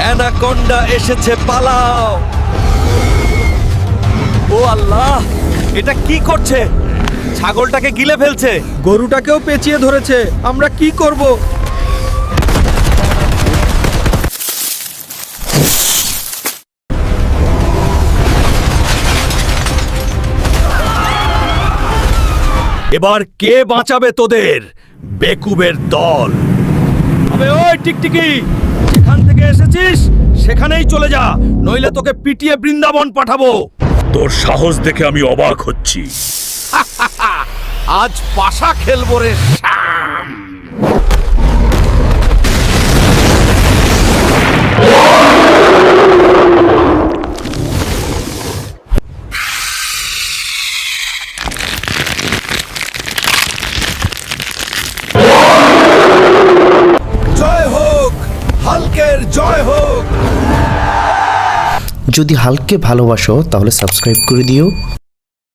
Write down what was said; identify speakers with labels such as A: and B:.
A: Anaconda এসেছে, পালাও। ও আল্লাহ, এটা কি করছে? ছাগলটাকে গিলে ফেলছে।
B: গরুটাকেও পেঁচিয়ে ধরেছে। আমরা কি করব?
A: এবার কে বাঁচাবে তোদের? বেকুবের দল। আবে ওই টিকটিকি, যেখান থেকে এসেছিস সেখানেই চলে যা, নইলে তোকে পিটিয়ে বৃন্দাবন পাঠাবো।
C: তোর সাহস দেখে আমি অবাক হচ্ছি।
A: আজ পাশা খেলবো রে শ্যাম। জয় হোক, হাল্কের জয় হোক।
D: যদি হাল্ককে ভালোবাসো তাহলে সাবস্ক্রাইব করে দিও।